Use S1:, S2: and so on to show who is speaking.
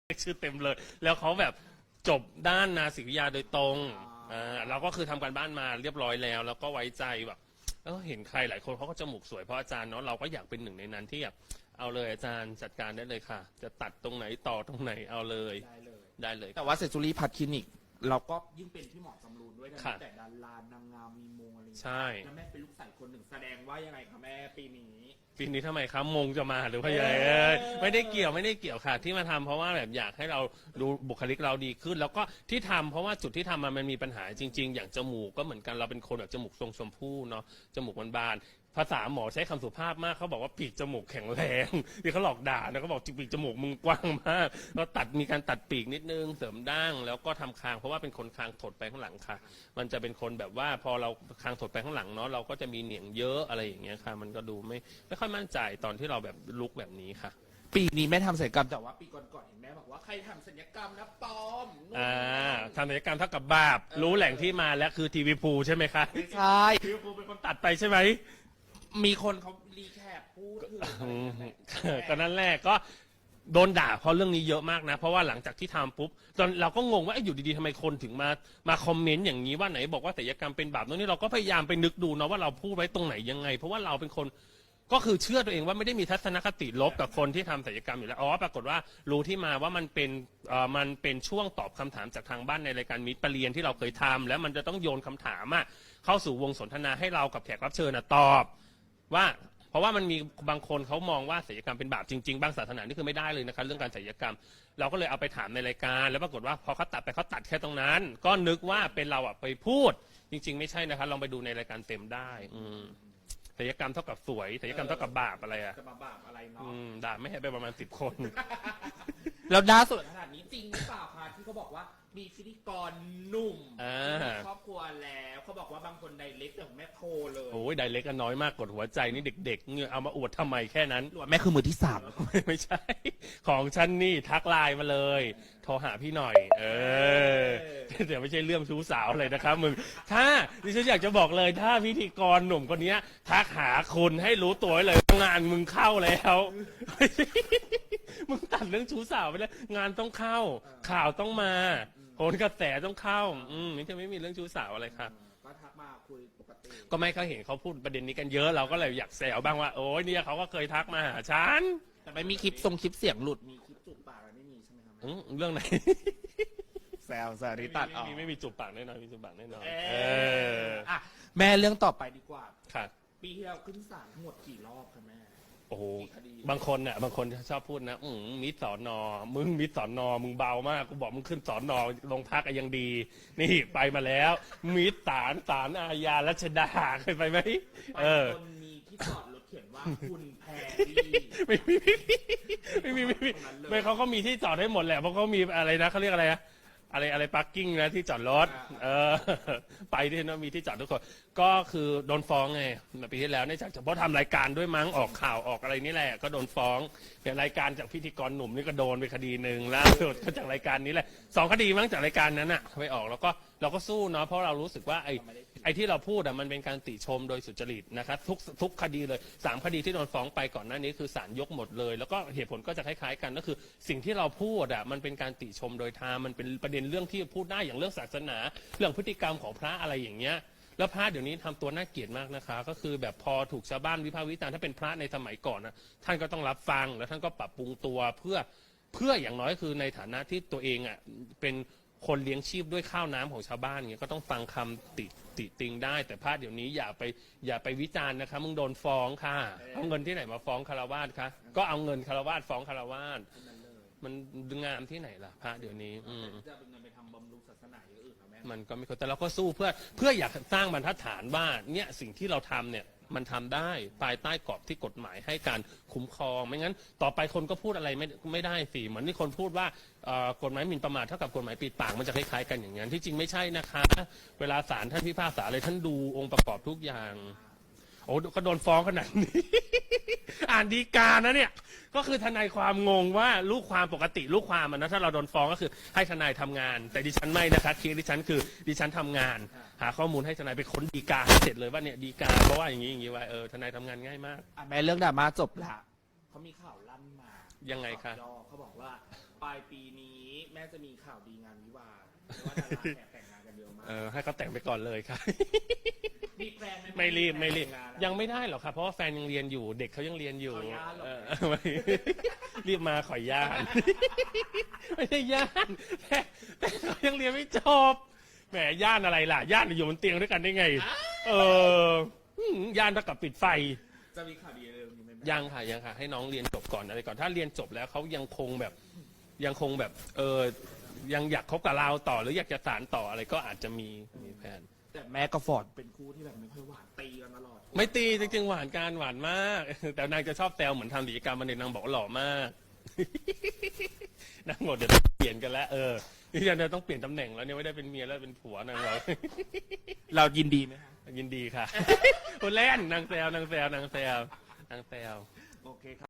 S1: ชื่อเต็มเลยแล้วเขาแบบจบด้านนาศิวิทยาโดยตรงเราก็คือทำการบ้านมาเรียบร้อยแล้วแล้วก็ไว้ใจแบบเห็นใครหลายคนเขาก็จมูกสวยเพราะอาจารย์เนาะเราก็อยากเป็นหนึ่งในนั้นที่แบบเอาเลยอาจารย์จัดการได้เลยค่ะจะตัดตรงไหนต่อตรงไหนเอาเลยได้เลย
S2: แต่ว่าเซจูรี่พัทคลินิกเราก็ยิ่งเป็นพี่หมอจำรูนด้วยนะแต่ดารานางงามมีมงอะไร
S1: ใช่
S2: แล้วแม่เป็นลูกสาวคนหนึ่งแสดงว่ายังไงคะแม่ปีนี้
S1: ทำไมครับมงจะมาหรือว่ายังไงไม่ได้เกี่ยวค่ะที่มาทำเพราะว่าแบบอยากให้เราดูบุคลิกเราดีขึ้นแล้วก็ที่ทำเพราะว่าจุดที่ทำมันมีปัญหาจริงๆอย่างจมูกก็เหมือนกันเราเป็นคนแบบจมูกทรงชมพู่เนาะจมูกบานภาษาหมอใช้คำสุภาพมากเขาบอกว่าปีกจมูกแข็งแรงที่เขาหลอกด่านะเขาบอกปีกจมูกมึงกว้างมากก็มีการตัดปีกนิดนึงเสริมดั้งแล้วก็ทำคางเพราะว่าเป็นคนคางถดไปข้างหลังค่ะมันจะเป็นคนแบบว่าพอเราคางถดไปข้างหลังเนาะเราก็จะมีเหนียงเยอะอะไรอย่างเงี้ยค่ะมันก็ดูไม่ค่อยมั่นใจตอนที่เราแบบลุกแบบนี้ค่ะ
S2: ปีนี้แม่ทำศัลยกรรมแต่ว่าปีก่อนๆเห็นแม่บอกว่าใครทำศัลยกรรมนะปลอม
S1: ทำศัลยกรรมเท่ากับบาปรู้แหล่งที่มาแล้วคือทีวีพูใช่ไหมคะ
S2: ใช่
S1: ทีวีพูเป็นคนตัดไปใช่ไหม
S2: มีคนเขารีแคปพูดถึง
S1: ก็นั่นแหละก็โดนด่าเพราะเรื่องนี้เยอะมากนะเพราะว่าหลังจากที่ทำปุ๊บตอนเราก็งงว่าอยู่ดีๆทำไมคนถึงมาคอมเมนต์อย่างนี้ว่าไหนบอกว่าศัลยกรรมเป็นบาปตรงนี้เราก็พยายามไปนึกดูนะว่าเราพูดไว้ตรงไหนยังไงเพราะว่าเราเป็นคนก็คือเชื่อตัวเองว่าไม่ได้มีทัศนคติลบกับคนที่ทำศัลยกรรมอยู่แล้วปรากฏว่ารู้ที่มาว่ามันเป็นช่วงตอบคำถามจากทางบ้านในรายการมิตรประเรียนที่เราเคยทำแล้วมันจะต้องโยนคำถามเข้าสู่วงสนทนาให้เรากับแขกรับเชิญตอบว่าเพราะว่ามันมีบางคนเขามองว่าศัลยกรรมเป็นบาปจริงๆบางศาสนานี่คือไม่ได้เลยนะคะเรื่องการศัลยกรรมเราก็เลยเอาไปถามในรายการแล้วปรากฏว่าพอเขาตัดไปเขาตัดแค่ตรงนั้นก็นึกว่าเป็นเราไปพูดจริงๆไม่ใช่นะคะลองไปดูในรายการเต็มได้ศัลยกรรมเท่ากับสวยศัลยกรรมเท่ากับบาปอะไร
S2: จะมาบาปอะไรเนาะ
S1: ด่าไม่ให้ไปประมาณ10 คน
S2: แล้วน่าสนขนาดนี้จริงหรือเปล่าคะที่เขาบอกว่ามีพิธีกรหนุ่มมีครอบครัวแล้วเขาบอกว่าบางคนไดเรกแต่แม่โทรเลย
S1: โอ้ยไดเรกกันน้อยมากกดหัวใจนี่เด็กๆเงี้ยเอามาอวดทำไมแค่นั้น
S2: แม่คือมือที่3
S1: ไม่ใช่ของฉันนี่ทักไลน์มาเลยโทรหาพี่หน่อยเดี๋ยวไม่ใช่เรื่องชู้สาวเลยนะครับมึงถ้าดิฉันอยากจะบอกเลยถ้าพิธีกรหนุ่มคนนี้ทักหาคุณให้รู้ตัวเลยงานมึงเข้าแล้วมึงตัดเรื่องชู้สาวไปแล้วงานต้องเข้าข่าวต้องมาโหนกระแสต้องเข้านี่จะไม่มีเรื่องชู้สาวอะไรครับ
S2: ก็ทักมาคุยปกติ
S1: ก็ไม่เขาเห็นเขาพูดประเด็นนี้กันเยอะเราก็เลยอยากแซวบ้างว่าโอ้ยเนี่ยเขาก็เคยทักมาหาฉัน
S2: แต่ไม่มีคลิปเสียงหลุดมีคลิปจูบปากอะไรไม่มีใช่ไหมครับ
S1: เรื่องไหน
S2: แซวริตัดออก
S1: ไม่มีจูบปากแน่นอนมีจูบปากแน่นอน
S2: แม่เรื่องต่อไปดีกว่า
S1: ครับ
S2: ปีที่เราขึ้นศาลทั้งหมดกี่รอบคะแม่
S1: โอ้โหบางคนชอบพูดนะมิตรสอนอมึงมิตรสอนอมึงเบามากกูบอกมึงขึ้นสอนอลงพักยังดีนี่ไปมาแล้วมิตรศาลอาญารัชดาเคยไปไหม
S2: คนมีที่จอดรถเขียนว่าคุณแพร
S1: ไม่เขาก็มีที่จอดให้หมดแหละเพราะเขามีอะไรนะเขาเรียกอะไรนะอะไรพาร์กิ้งนะที่จอดรถไปที่นั่นมีที่จอดทุกคนก็คือโดนฟ้องไงปีที่แล้วเนี่ยจากเฉพาะทำรายการด้วยมั้งออกข่าวออกอะไรนี่แหละก็โดนฟ้องเป็นรายการจากพิธีกรหนุ่มนี่ก็โดนไปคดีหนึ่งแล้วก็จากรายการนี้แหละ2 คดีมั้งจากรายการนั้นไปออกแล้วก็เราก็สู้เนาะเพราะเรารู้สึกว่าไอ้ที่เราพูดมันเป็นการติชมโดยสุจริตนะครับทุกคดีเลย3 คดีที่โดนฟ้องไปก่อนหน้านี้คือศาลยกหมดเลยแล้วก็เหตุผลก็จะคล้ายๆกันก็คือสิ่งที่เราพูดมันเป็นการติชมโดยธรรมมันเป็นประเด็นเรื่องที่พูดได้อย่างเรื่องศาสนาเรื่องพฤติกรรมของพระอะไรอย่างเงี้ยแล้วพระเดี๋ยวนี้ทำตัวน่าเกลียดมากนะคะก็คือแบบพอถูกชาวบ้านวิพากษ์วิจารณ์ถ้าเป็นพระในสมัยก่อนนะท่านก็ต้องรับฟังแล้วท่านก็ปรับปรุงตัวเพื่ออย่างน้อยคือในฐานะที่ตัวเองเป็นคนเลี้ยงชีพด้วยข้าวน้ำของชาวบ้านเงี้ยก็ต้องฟังคำติติงได้แต่พระเดี๋ยวนี้อย่าไปวิจารณ์นะคะมึงโดนฟ้องค่ะเอาเงินที่ไหนมาฟ้องคารวาสคะก็เอาเงินคารวาสฟ้องคารวาสมันงามที่ไหนล่ะพระเดี๋ยวนี้
S2: จะเป็นเงินไปทำบำรุงศาสนาอย่างอื่นแม่
S1: มันก็ไม่ควรแต่เราก็สู้เพื่ออยากสร้างบรรทัดฐานว่าเนี่ยสิ่งที่เราทำเนี่ยมันทำได้ภายใต้กรอบที่กฎหมายให้การคุ้มครองไม่งั้นต่อไปคนก็พูดอะไรไม่ได้สิเหมือนที่คนพูดว่ากฎหมายหมิ่นประมาทเท่ากับกฎหมายปิดปากมันจะคล้ายๆกันอย่างนั้นที่จริงไม่ใช่นะคะเวลาศาลท่านพิพากษาอะไรท่านดูองค์ประกอบทุกอย่างโอ้ก็โดนฟ้องขนาดนี้อ่านฎีกานะเนี่ยก็คือทนายความงงว่าลูกความปกติลูกความนะถ้าเราโดนฟ้องก็คือให้ทนายทำงานแต่ดิฉันไม่นะคะเคสดิฉันคือดิฉันทำงานหาข้อมูลให้ทนายไปค้นฎีกาให้เสร็จเลยว่าเนี่ยฎีกาเพราะว่าอย่างนี้ไว้ทนายทำงานง่ายมาก
S2: แม่เรื่องดราม่าจบละเขามีข่าวลั่นมา
S1: ยังไงคะ
S2: เขาบอกว่าปลายปีนี้แม่จะมีข่าวดีงานวิวาห์เพราะว่าดาราแอบแต่งงานกันเยอะมาก
S1: ให้เขาแต่งไปก่อนเลยค่ะ
S2: มีแฟนห
S1: ไม่รีบไม่รีบ
S2: แต่งงาน
S1: ยังไม่ได้หรอกครับเพราะว่าแฟนยังเรียนอยู่ เด็กเขายังเรียนอยู่
S2: ขออนุญาตหรอ
S1: ไม่ รีบมาขออนุญาต ไม่ใช่ญาติแต่เขายังเรียนไม่จบแหมญาติอะไรล่ะญาติอยู่บนเตียงด้วยกันได้ไง ญาติเท่ากับปิดไฟ
S2: จะมีข่าวดีเร็วๆนี้ไหมแม่
S1: ยังค่ะให้น้องเรียนจบก่อนอะไรก่อนถ้าเรียนจบแล้วเขายังคงแบบยังอยากคบกับเราต่อหรืออยากจะสานต่ออะไรก็อาจจะมีแผน
S2: แต่แม่กับฟอร์ดเป็นคู่ที่แบบไม่ค่อยหวานตีกันตลอด
S1: ไม่ตีจริงๆหวานกันหวานมาก แต่นางจะชอบแซวเหมือนทำกิจกรรมมันเองนางบอกว่าหล่อมาก นางบอกเดี๋ยวต้องเปลี่ยนกันแล้วนี่จะต้องเปลี่ยนตำแหน่งแล้วเนี่ยไม่ได้เป็นเมียแล้วเป็นผัวนางบอก
S2: เรายินดีไหมคะ
S1: ยินดีค่ะ คนเล่นนางแซว
S2: โอเคครับ